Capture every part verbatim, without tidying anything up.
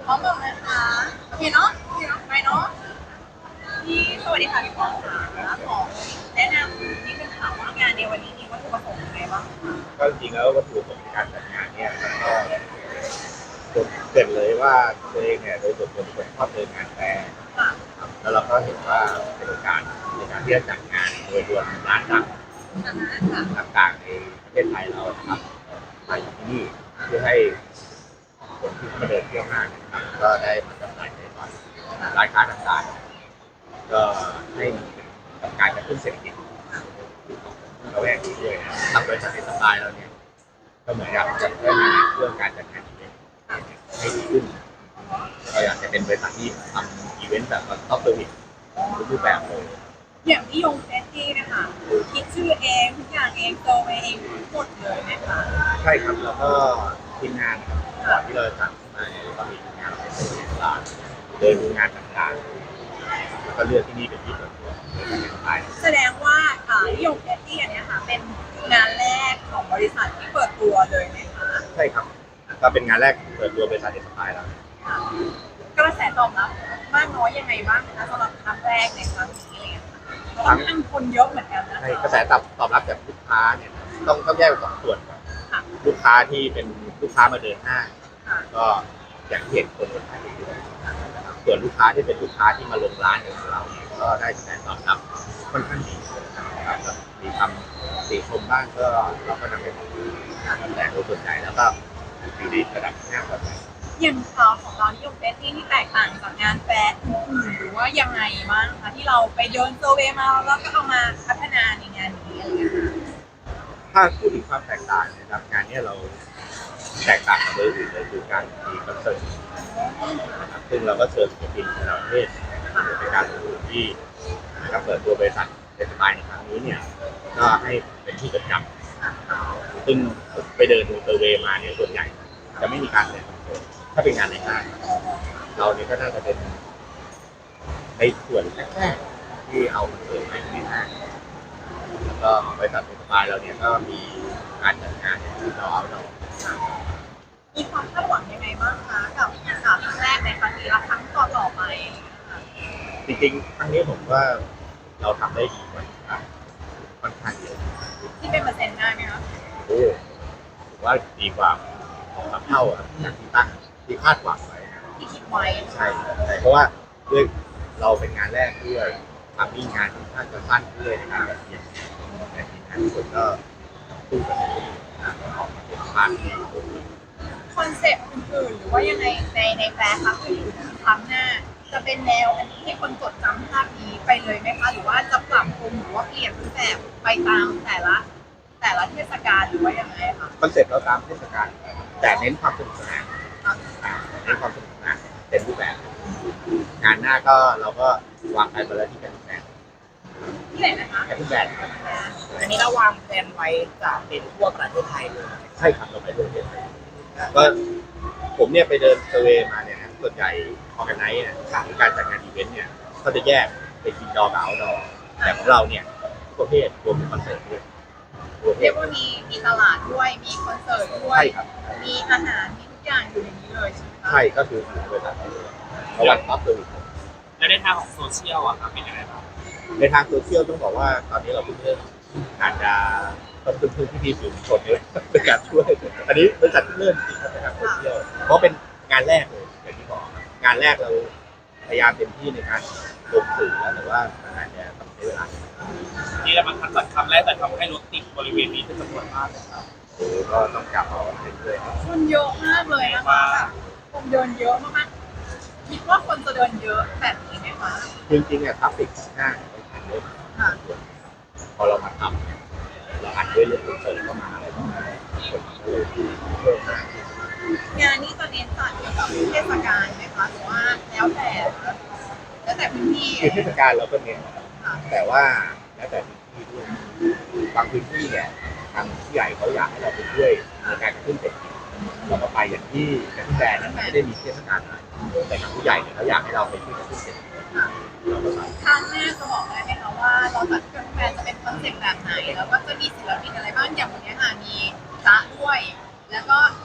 พร้อมบอกนะคะโอเคเนาะโอเคเนาะไปเนาะพี่สวัสดีค่ะพี่ปองค่ะขอแนะนำนิดนึงค่ะว่างานในวันนี้มีวัตถุประสงค์ยังไงบ้างคะก็จริงๆแล้ววัตถุประสงค์ในการจัดงานเนี่ยมันก็จุดเด่นเลยว่าตัวเองเนี่ยโดยส่วนตัวเป็นคนชอบเดินงานแฟร์ค่ะครับแล้วเราก็เห็นว่าเป็นโอกาสในการที่จะจัดงานโดยรวมร้านดังอ่าฮะค่ะต่างๆในประเทศไทยเรานะครับมาอยู่ที่นี่เพื่อให้คนที่เข้ามาเดินเที่ยวห้างนะครับก็ได้มาจำหน่ายในร้านค้าต่างๆก็ให้กับการกระตุ้นเศรษฐกิจของระแวกนี้ด้วยนะครับทางบริษัทเอสไตล์เราเนี่ย ก็เหมือนกับจะพัฒนาเรื่องการจัดงานอีเวนต์ให้ดีขึ้นเราอยากจะเป็นบริษัทที่ทำอีเวนต์แบบท็อปเซอร์วิสทุกรูปแบบเลยอย่างนิยมเฟสตี้นะคะคือคิดชื่อเองทุกอย่างเองโตเองหมดเลยนะคะใช่ครับแล้วก็ทีมงานนะครับก่อนที่เราจะจัดมาเนี่ยก็มีทีมงานเราเป็นตัวตลาดเดินดูงานต่างๆแล้วก็เลือกที่นี่เป็นที่เปิดตัวในการแข่งขันแสดงว่าอ่านิยมเฟสตี้อันเนี้ยค่ะเป็นงานแรกของบริษัทที่เปิดตัวเลยไหมคะใช่ครับก็เป็นงานแรกเปิดตัวบริษัทเอสไตล์แล้วค่ะกระแสตอบรับมากน้อยยังไงบ้างนะคะสำหรับครั้งแรกในครั้งนี้อะไรอย่างเงี้ยค่ะเพราะว่ามันคนเยอะเหมือนกันนะใช่คะกระแสตอบตอบรับจากลูกค้าเนี่ยต้องต้องแยกเป็นสองส่วนก่อนค่ะลูกค้าที่เป็นลูกค้ามาเดินห้างค่ะก็อย่างที่เห็นคนคนไทยเยอะนะครับส่วนลูกค้าที่เป็นลูกค้าที่มาลงร้านของเราเนี่ยก็ได้คะแนนตอบรับค่อนข้างดีนะครับแล้วมีคำติชมบ้างก็เราก็นำไปปรับปรุงแต่โดยส่วนใหญ่แล้วก็อยู่ในระดับห้าเปอร์เซ็นต์อย่างคอของเรานิยมเฟสที่ที่แตกต่างจากงานแฟร์อื่นๆหรือว่ายังไงบ้างคะที่เราไปเดินเซอร์เวย์มาแล้วก็เอามาพัฒนาในงานนี้อะไรอย่างเงี้ยค่ะถ้าพูดถึงความแตกต่างนะครับงานนี้เราแตกต่างกับเบอร์อื่นเลยคือการมีคอนเสิร์ตนะครับซึ่งเราก็เชิญศิลปินระดับประเทศในการลงทุนที่นะครับเปิดตัวบริษัทเดสไตล์ในครั้งนี้เนี่ยก็ให้เป็นที่จดจำซึ่งไปเดินดูเซอร์เวย์มาเนี่ยส่วนใหญ่จะไม่มีการแสดงคอนเสิร์ตถ้าเป็นงานในห้างเราเนี่ยก็น่าจะเป็นในส่วนแรกๆที่เอาคอนเสิร์ตมาในห้างแล้วก็บริษัทเดสไตล์เราเนี่ยก็มีการจัดงานที่เราเอาเรามีความคาดหวังยังไงบ้างคะกับครั้งแรกในครั้งนี้และครั้งต่อต่อไปจริงๆครั้งนี้ผมว่าเราทำได้ดีกว่าค่อนข้างเยอะที่เป็นเปอร์เซ็นต์ได้ไหมคะโอ้ผมว่าดีกว่าสองสามเท่าอะจากที่ตั้งที่คาดหวังไว้ที่คิดไว้ใช่ใช่เพราะว่าด้วยเราเป็นงานแรกด้วยทำมีงานค่อนข้างจะสั้นด้วยในการแบบเรียนแต่ทีมงานทุกคนก็สู้กันออกมาเป็นภาพที่ดีคอนเซ็ปต์อื่นๆหรือว่ายังไงในในแฟร์ครั้งอื่นๆครั้งหน้าจะเป็นแนวอันนี้ให้คนจดจำภาพนี้ไปเลยไหมคะหรือว่าจะปรับปรุงหรือว่าเปลี่ยนรูปแบบไปตามแต่ละแต่ละเทศกาลหรือว่ายังไงคะคอนเซ็ปต์เราตามเทศกาลแต่เน้นความสนุกสนานเน้นความสนุกสนานเป็นรูปแบบงานหน้าก็เราก็วางแผนไปแล้วที่เป็นรูปแบบที่ไหนนะคะแค่รูปแบบอันนี้เราวางแผนไว้จะเป็นทั่วประเทศไทยเลยใช่ครับเราไปทั่วประเทศไทยก็ผมเนี่ยไปเดินเซอร์เวย์มาเนี่ยนะส่วนใหญ่ออแกไนซ์เนี่ยหรือการจัดงานอีเวนต์เนี่ยเขาจะแยกเป็นอินดอร์กับเอาท์ดอร์แต่ของเราเนี่ยทุกประเภทรวมถึงคอนเสิร์ตด้วยเรียกว่ามีมีตลาดด้วยมีคอนเสิร์ตด้วยมีอาหารมีทุกอย่างอยู่ในนี้เลยใช่ไหมคะใช่ก็คือถือเป็นแบบเพราะว่าท็อปเซอร์วิสแล้วในทางของโซเชียลอะครับเป็นยังไงบ้างในทางโซเชียลต้องบอกว่าตอนนี้เราเพิ่งเริ่มอาจจะต้องพึ่งพึ่งพี่ๆสื่อมวลชนด้วยในการช่วยอันนี้บริษัทเริ่มจริงครับในทางโซเชียลเพราะเป็นงานแรกเลยอย่างที่บอกงานแรกเราพยายามเต็มที่ในการลงสื่อแล้วแต่ว่ามันอาจจะต้องใช้เวลานี่เรามันทันจัดคำแรกแต่ทำให้รถติดบริเวณนี้เป็นจำนวนมากเลยครับโอ้ก็ต้องจับเอาเรื่อยๆคนเยอะมากเลยนะคะแบบคนเดินเยอะมากๆคิดว่าคนจะเดินเยอะแบบนี้ไหมคะจริงๆเนี่ยทราฟฟิกของห้างไม่ทันเยอะพอเรามาทำเนี่ยเราอัดด้วยเรื่องคอนเสิร์ตเข้ามาอะไรประมาณนี้คนก็เลยเพิ่มมากงานนี้จะเน้นจัดเกี่ยวกับเทศกาลไหมคะหรือว่าแล้วแต่แล้วแต่พื้นที่คือเทศกาลเราก็เน้นแต่ว่าแล้วแต่พื้นที่ด้วยบางพื้นที่เนี่ยทางผู้ใหญ่เขาอยากให้เราไปช่วยในการกระตุ้นเศรษฐกิจเราก็ไปอย่างที่กระตุ้นแบรนด์นั้นไม่ได้มีเทศกาลอะไรแต่ทางผู้ใหญ่เนี่ยเขาอยากให้เราไปช่วยกระตุ้นเศรษฐกิจเราก็ไปครั้งหน้าจะบอกได้ไหมคะว่าเราจัดกระตุ้นแบรนด์จะเป็นคอนเซ็ปต์แบบไหนแล้วก็จะมีศิลปินอะไรบ้างอย่างวันนี้ค่ะมีจ๊ะด้วยแล้วก็อีก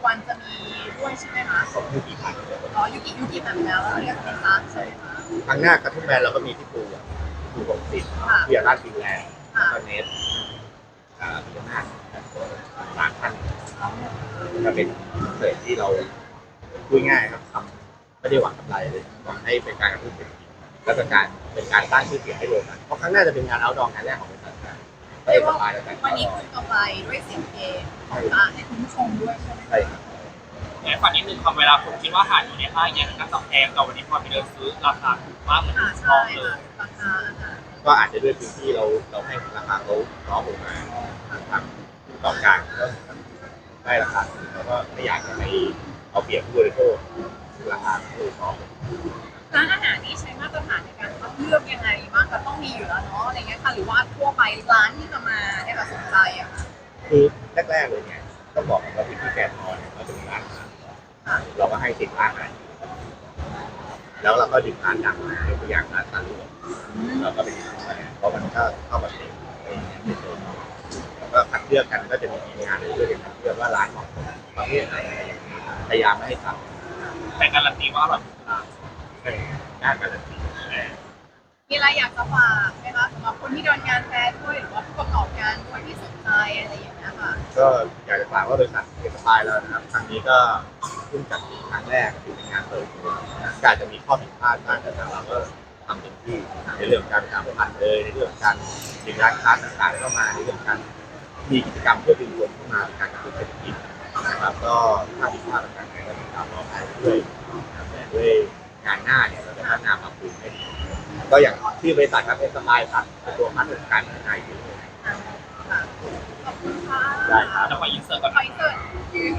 วันจะมีด้วยใช่ไหมคะของยูกิพันอ๋อยูกิยูกิแบบแล้วแล้วเรียกเป็นร้านใช่ไหมคะครั้งหน้ากระทุ่มแบนเราก็มีที่ปูอ่ะปูของสิทธิ์ที่ยาราชฟินแลนด์แล้วก็เนสอ่าพิจารณาร้านท่านก็เป็นเสิร์ฟที่เราพูดง่ายครับทำไม่ได้หวังกำไรเลยหวังให้เป็นการกระตุ้นเศรษฐกิจและเป็นการเป็นการสร้างชื่อเสียงให้โรงงานเพราะครั้งหน้าจะเป็นงานเอาท์ดอร์งานแรกของบริษัทการไปเรียกสว่าบายแล้วกันวันนี้คือกำไรด้วยเสียงเพลงของร้านให้คุณผู้ชมด้วยใช่ไหมใช่ครับในฝันนิดนึงความเวลาผมคิดว่าอาหารอยู่ในห้างเนี่ยน่าจะแพงแต่วันนี้พอไปเดินซื้อราคาถูกมากเหมือนอ่าน้ใช่องเลค่ะยราคาอาหารก็อาจจะด้วยพื้นที่เราเราให้ราคาเขาน้องลงมาทางผู้ประกอบการก็ได้ราคาสูงแล้วก็ไม่อยากจะไปเอาเปรียบผู้บริโภคราคาถูกน้องร้านอาหารนี้ใช้มาตรฐานในการคัดเลือกยังไงบ้างก็ต้องมีอยู่แล้วเนาะอะไรเงี้ยค่ะหรือว่าทั่วไปร้านที่จะมาเนี่ยค่ะสนใจอะค่ะคือแรกๆเลยเนี่ยต้องบอกก่อนว่าพื้นที่แกนนอนเนี่ยเราจะมีร้านอาหารค่ะเราก็ให้สิบร้านอาหารแล้วเราก็ดึงร้านดังมายกตัวอย่างร้านตาลุกอืมเราก็ไปดึงมาเพราะมันก็เข้ามาเต็มอะไรอย่างเงี้ยเป็นตัวแล้วก็คัดเลือกกันก็จะมีทีมงานช่วยกันคัดเลือกว่าร้านของประเภทไหนอะไรอย่างเงี้ยพยายามไม่ให้ซ้ำแต่การันตีว่าอร่อยทุกร้านเป็นด้านการันตีมีอะไรอยากจะฝากไหมคะสำหรับคนที่เดินงานแฟร์ด้วยหรือว่าผู้ประกอบการด้วยที่สนใจอะไรอย่างเงี้ยค่ะก็อยากจะฝากว่าบริษัทเอกสปายแล้วนะครับครั้งนี้ก็เพิ่งจัดครั้งแรกถือเป็นงานเปิดตัวการจะมีข้อผิดพลาดบ้างแต่ทางเราก็ทำเต็มที่ในเรื่องการประชาสัมพันธ์เลยในเรื่องการดึงร้านค้าต่างๆเข้ามาในเรื่องการมีกิจกรรมเพื่อดึงคนเข้ามาในการกระตุ้นเศรษฐกิจนะครับก็ถ้าผิดพลาดต่างๆก็ต้องตามรอไปด้วยนะครับแต่ด้วยงานหน้าเนี่ยเราจะพัฒนาปรับปรุงให้ดีก็อย่างที่บริษัทครับเอกสปายตัดตัวพัฒนาการพัฒนาอยู่เลยค่ะขอบคุณค่ะได้ครับแล้วก็อินเสิร์ตก่อนขออินเสิร์ตยืน